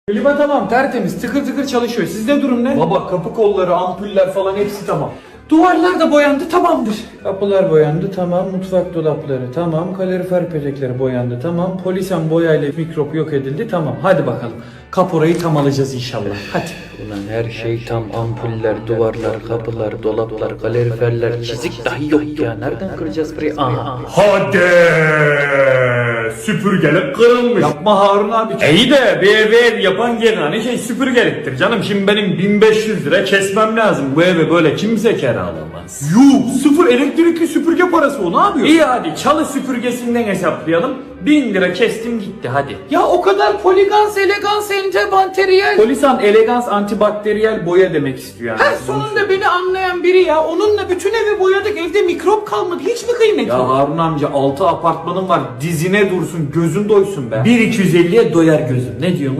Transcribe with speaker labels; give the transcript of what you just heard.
Speaker 1: Klima tamam, tertemiz, tıkır tıkır çalışıyor. Sizde durum ne? Baba kapı kolları, ampuller falan hepsi tamam. Duvarlar da boyandı, tamamdır. Kapılar boyandı, tamam. Mutfak dolapları, tamam. Kalorifer petekleri boyandı, tamam. Polisen boyayla mikrop yok edildi, tamam. Hadi bakalım. Kaporayı tam alacağız inşallah. Hadi.
Speaker 2: Ulan her şey tam, ampuller, duvarlar, kapılar, dolaplar, kaloriferler, çizik dahi yok ya. Nereden kıracağız burayı? Aha.
Speaker 3: Hadi süpürgelik kırılmış.
Speaker 1: Yapma Harun abi.
Speaker 3: İyi de bir ev yapan gene hani süpürgeliktir canım. Şimdi benim 1500 lira kesmem lazım. Bu eve böyle kimse kiralamaz.
Speaker 1: Yuh, sıfır elektrikli süpürge parası o, ne yapıyor?
Speaker 3: İyi hadi çalı süpürgesinden hesaplayalım. 1000 lira kestim gitti hadi.
Speaker 1: Ya o kadar poligans, elegans, antibakteriyel.
Speaker 3: Polisan elegans antibakteriyel boya demek istiyor yani.
Speaker 1: Sonunda beni anlayan biri ya. Onunla bütün evi boyadık. Evde mikrop kalmadı. Hiç mi kıymeti
Speaker 3: Ya
Speaker 1: yok?
Speaker 3: Harun amca 6 apartmanın var. Dizine dursun, gözün doysun be. 1250'ye doyar gözüm. Ne diyorsun?